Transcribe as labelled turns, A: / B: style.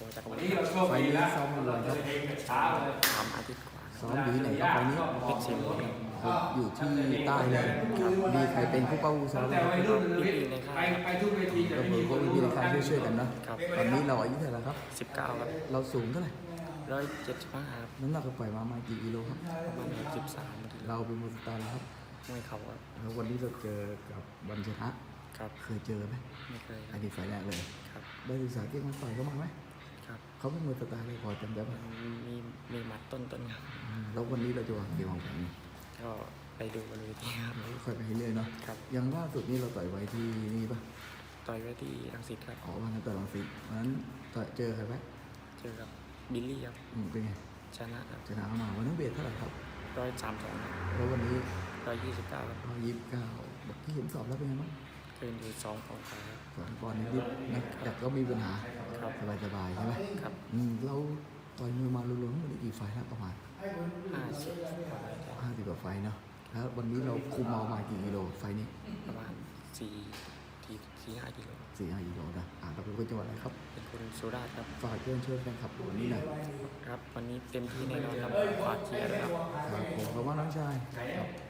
A: จักรวรร
B: วัน
A: ดิ
B: นี้เราโชค
C: ไฟ
B: ดี
C: นี้
B: แล้ว
C: ซ้อมมาเลยครับ
B: เช้าเลย
A: 3 อาทิตย์กว่า
C: ซ้อมอยู่ที่ไหนครับไฟนี้
A: เพชรศิลป์
C: อยู่ที่ใต้เลยมีใครเป็นผู้เป้าซ้อมไหม
B: แต่
C: ครับ
B: วัยรุ่นไปทุกเวทีจะ
C: ก็
B: ไม่
C: คือ
B: มี
C: พวกพี่ในค่ายช่วยๆกันเนาะ
A: ครับ
C: ตอนนี้เราอายุเท่าไหร่ครับ
A: 19 ครับ
C: เราสูงเท่าไหร่
A: 175 ครับ
C: น้ำหนักเราปล่อยมากี่กิโลครับ
A: ประมาณ13 นาที
C: เราเป็นมือสตาร์แล้วครับ
A: ไม่เข่าครับ
C: แล้ววันนี้เราเจอกับวันชนะ
A: ครับ
C: เคยเจอไหม
A: ไม่เคยค
C: อั
A: รั
C: น
A: บ
C: นี้ไฟล์แรกเลย
A: ครับ
C: ได้ศึกษาเก่งมันต่อยเขามาไหม
A: ครับ
C: เขาเป็นมือสตาร์เลยพอจำได้ไหม
A: มีหมัดต้นๆครับ
C: แล้ววันนี้เราจะวางเกมวางแผนไง
A: ก็ไปดูบนเวทีครับ
C: เราก็ค่อยไปเรื่อยๆเนาะ
A: ครับ
C: อย่างล่าสุดนี่เราต่อยไว้ที่นี่ปะ
A: ต่อยไว้ที่รังสิตครับ
C: ออกวันนั้นต่อยรังสิตวันนั้นต่อยเจอใครไหม
A: เจอกับบิลลี่ครับ
C: เป็นไง
A: ชนะครับ
C: ชนะเข้ามาวันนั้นเวทเท่าไหร่ครับ
A: 132ครับ
C: แล้ววันนี้
A: 129ครับ
C: 129บอกที่เห็นสอบแล้วเป็นไงบ้าง
A: เกินอยู่2 ปอนด์ครับ
C: 2 ปอนด์นิดๆนะแต่ก็มีปัญหา
A: ครับ
C: สบายๆใช่ไหม
A: ครับ
C: เราต่อยมือมารวมๆทั้งหมดกี่ไฟล์แล้วประมาณ
A: 50
C: 50กว่าไฟล์เนาะแล้ววันนี้เราคุมเอามากี่กิโลไฟล์นี้
A: ประมาณ4-5 กิโล
C: 4-5กิโลนะเราเป็นคนจังหวัดอะไรครับ
A: เป็นคนสุราษฎร์ครับ
C: ฝากเชิญชวนแฟนคลับวันนี้หน่อย
A: ครับ วันนี้เต็มที่แน่นอนครับฝากเชียร์ด้วยครับ
C: ครับผมขอบคุณน้องชายครับ